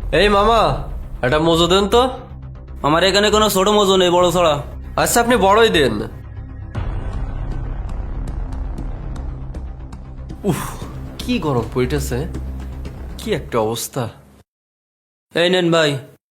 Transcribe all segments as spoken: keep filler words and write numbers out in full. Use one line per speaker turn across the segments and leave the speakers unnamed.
এই মামা, একটা মজু দেন তো।
আমার এখানে কোনো ছোট মজু নেই, বড় ছড়া।
আচ্ছা, আপনি বড়ই দেন। উফ, কি গরম পড়িতেছে, কি একটা অবস্থা।
এই নেন ভাই।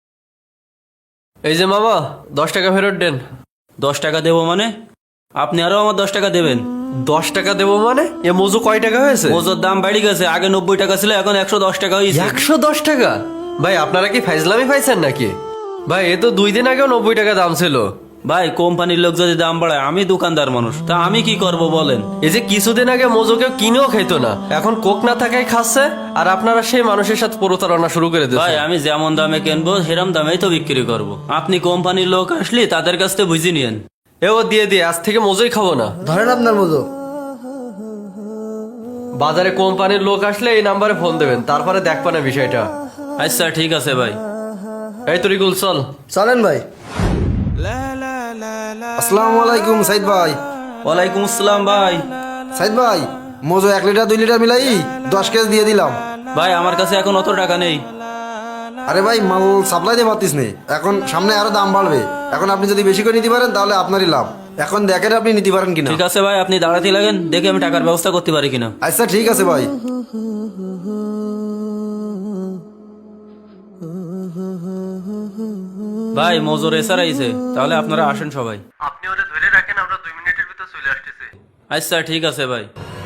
এই যে মামা, দশ টাকা ফেরত দেন।
দশ টাকা দেবো মানে? আপনি আরো আমার দশ টাকা দেবেন?
দশ টাকা দেবো মানে? এ মজু কয় টাকা হয়েছে?
মজুর দাম বেড়ে গেছে, আগে নব্বই টাকা ছিল, এখন একশো দশ টাকা হয়েছে।
একশো দশ টাকা? ভাই আপনারা কি ফাইজলামি পাইছেন নাকি? ভাই এ তো দুই দিন আগেও নব্বই টাকা দাম ছিল।
ভাই কোম্পানির লোক যদি দাম বাড়ায়, আমি দোকানদার মানুষ, তা আমি কি করব বলেন?
এই যে কিছুদিন আগে মজু কেউ কিনেও খাইতো না, এখন কোক না থাকায় খাচ্ছে, আর আপনারা সেই মানুষের সাথে প্রতারণা শুরু করে
ভাই
দিয়েছেন।
আমি যেমন দামে কিনবো সেরকম দামেই তো বিক্রি করব। আপনি কোম্পানির লোক আসলে তাদের কাছ থেকে বুঝে নিয়েন।
এ ও দিয়ে দিয়ে আজ থেকে মজুই খাবো না।
ধরেন আপনার মজু।
বাজারে কোম্পানির লোক আসলে এই নাম্বারে ফোন দেবেন, তারপরে দেখবা না বিষয়টা।
আচ্ছা ঠিক আছে ভাই।
এই তরিকুল চল।
চলেন ভাই। আসসালামু আলাইকুম সাইদ ভাই।
ওয়ালাইকুম আসসালাম ভাই।
সাইদ ভাই, মজু এক লিটার দুই লিটার মিলাই দশ কেজি দিয়ে দিলাম।
ভাই আমার কাছে এখন অত টাকা নেই।
আরে ভাই, মাল সাপ্লাই দিয়ে পারতিস নেই, এখন সামনে আরো দাম বাড়বে। এখন আপনি যদি বেশি করে নিতে পারেন তাহলে আপনারই লাভ। এখন দেখেন আপনি নিতে পারেন কিনা।
ঠিক আছে ভাই, আপনি দাঁড়াতে লাগেন, দেখে আমি টাকার ব্যবস্থা করতে পারি কিনা।
আচ্ছা ঠিক আছে ভাই।
ভাই মজুর এসার আইছে, তাহলে আপনারা আসেন সবাই।
আপনি ওরে ধরে রাখেন, আমরা দুই মিনিটের ভিতর চলে আসতেছি।
আচ্ছা ঠিক আছে ভাই।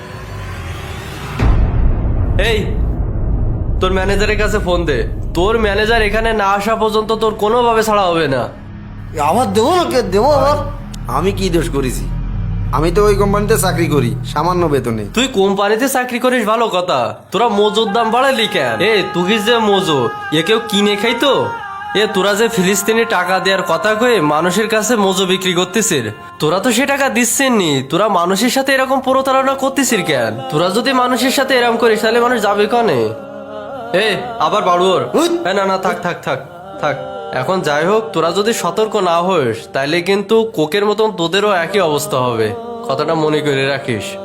এই তোর ম্যানেজারের কাছে ফোন দে। তোর ম্যানেজার এখানে না আসা পর্যন্ত তোর কোনোভাবে ছাড়া হবে না।
আবার দেবো না, কে দেবো আবার? আমি কি দোষ করেছি? আমি তো ওই কোম্পানিতে চাকরি করি সামান্য বেতনে।
তুই কোম্পানিতে চাকরি করিস ভালো কথা, তোরা মজুর দাম বাড়ালি কেন? এ তুই যে মজু, এ কেউ কিনে খাইতো? এ তোরা যে ফিলিস্তিনি টাকা দেওয়ার কথা কয়ে মানুষের কাছে মজু বিক্রি করতেছিস, তোরা তো সে টাকা দিচ্ছেন নি, তোরা মানুষের সাথে এরকম প্রতারণা করতেছিস কেন? তোরা যদি মানুষের সাথে এরকম করিস তাহলে মানুষ যাবে কনে? এ আবার বাড়ুয়ার। না না থাক থাক থাক থাক। এখন যাই হোক, তোরা যদি সতর্ক না হোস তাইলে কিন্তু কোকের মতন তোদেরও একই অবস্থা হবে, কথাটা মনে করে রাখিস।